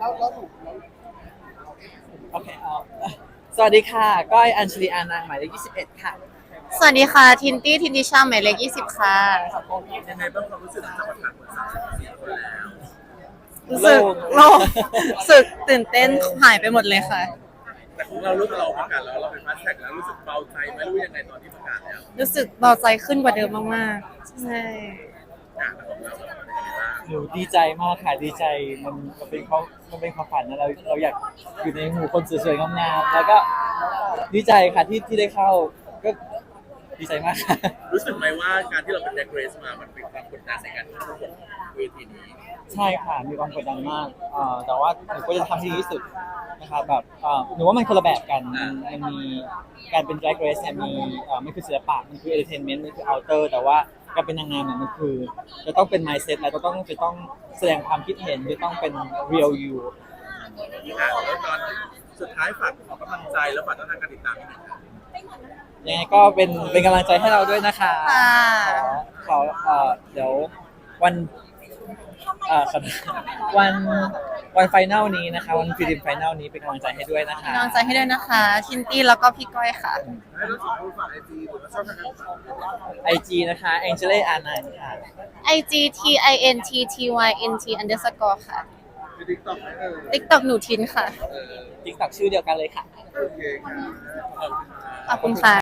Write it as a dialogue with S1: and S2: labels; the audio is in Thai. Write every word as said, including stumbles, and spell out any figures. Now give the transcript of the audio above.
S1: แล้วแล้วหนูแล้ว
S2: โอเคเอาสวัสดีค่ะก้อยอัญชลีอานางหมายเลขยี่สิบเอ็ดค่ะ
S3: สวัสดีค่ะทินตี้ทินดิชาหมายเลขยี่สิบค่ะ
S1: ยังไงบ้างความรู้สึกหลังจากประกาศผลสามสิบสี่คนแล้ว
S3: รู้สึกโล่งรู้สึกตื่นเต้นหายไปหมดเลยค่ะ
S1: แต่ของเรารู้สึกเราประกาศแล้วเราเป็นฟาสแท็กแล้วรู้สึกเบาใจไหมรู้ยังไงตอนที่ประกาศแล้ว
S3: รู้สึกเบาใจขึ้นกว่าเดิมมากๆใช่
S1: อ่ะแต่ของเราเป็นยังไงบ้าง
S2: หนูดีใจมากค่ะดีใจมันมันเป็นเขามันเป็นความฝันนะเราเราอยากอยู่ในหมู่คนสวยๆงามๆแล้วก็ดีใจค่ะที่ที่ได้เข้าก็ดีใจมากค่ะ
S1: รู้สึกไหมว่าการที่เราเป็นแดกเรสมามันเป็นความกดดันในการประกวดเวทีนี้
S2: ใช่ค่ะมีความกดดันมากเอ่อแต่ว่าหนูก็จะทำให้ดีที่สุดนะครับแบบเอ่อหนูว่ามันคนละแบบกันมันมันมีการเป็น drag race เนี่ยมีเอ่อมันคือศิลปะมันคือ entertainment มันคือ outer แต่ว่าการเป็นนางงามเนี่ยมันคือจะต้องเป็น mindset แล้วจะต้องจะต้องแสดงความคิดเห็นจะต้องเป็น real you
S1: อ่ะแล้วตอนสุดท้ายฝากขอกำลังใจแล้วฝากต้องทางการติดตามนิดนึงครับ
S2: ยังไงก็เป็นเป็นกำลังใจให้เราด้วยนะคะ
S3: ค่ะ
S2: ขอขอเอ่อเดี๋ยววันเอ่อขอโทษวันวันไฟนอลนี้นะคะวันฟิลิมไฟนอลนี้เป็นกำลังใจให้ด้วยนะคะ
S3: กำลังใจให้ด้วยนะคะทินตี้แล้วก็พี่ก้อยค่ะ
S1: ให้เราสองคนฝากไอจีหรือว่าช่องทางการติดตาม
S2: ไอจีนะคะ Angela Anan ค่ะ
S3: ไอ จี ที ไอ เอ็น ที ที วาย เอ็น ที underscore ค่ะ
S1: ในทิกตอกไหมเออ
S3: TikTok หนูทินค่ะ
S1: เออ
S2: TikTok ชื่อเดียวกันเลยค่ะ
S1: โอเคครับขอบคุณครับ
S3: ขอบคุณค่ะ